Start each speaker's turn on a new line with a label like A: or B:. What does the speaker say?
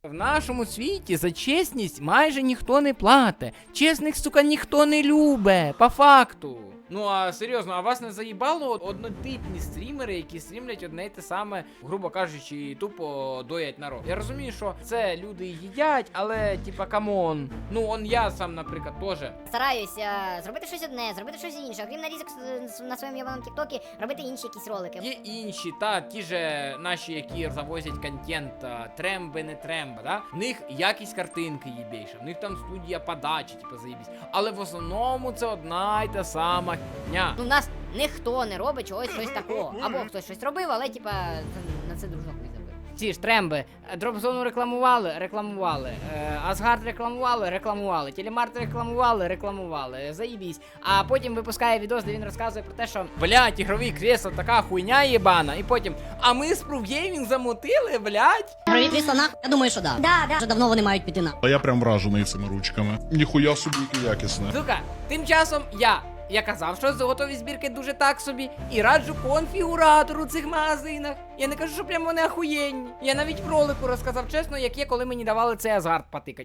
A: В нашому світі за чесність майже ніхто не платить. Чесних, сука, ніхто не любить, по факту. Ну а серйозно, а вас не заїбало однотипні стрімери, які стрімлять одне й те саме, грубо кажучи, тупо доять народ? Я розумію, що це люди їдять, але типа камон. Ну он я сам, наприклад, теж.
B: Стараюся зробити щось одне, зробити щось інше. Окрім нарізок на своєму ябаному тіктокі, робити інші якісь ролики.
A: Є інші, та ті же наші, які завозять контент, тремби, не тремба, да? В них якість картинки їбейша, в них там студія подачі, типу, заїбісь. Але в основному це одна й та сама хня.
B: Ну, в нас ніхто не робить чогось щось такого. Або хтось щось робив, але типа на це дружок не забив. Ці ж тремби, дропзону рекламували, Асгард рекламували, Телемарт рекламували, заїбісь. А потім випускає відос, де він розказує про те, що блять, ігрові кресла така хуйня єбана. І потім, а ми з Proof замутили, блять.
C: Ігрові крісла нахуй? Я думаю, що да. Вже давно вони мають піти на.
D: А я прям вражений цими ручками. Ніхуя собі яке якісне.
A: Сука, тим часом я казав, що готові збірки дуже так собі, і раджу конфігуратор у цих магазинах. Я не кажу, що прямо вони ахуєнні. Я навіть в ролику розказав чесно, як є, коли мені давали цей Асгард потикать.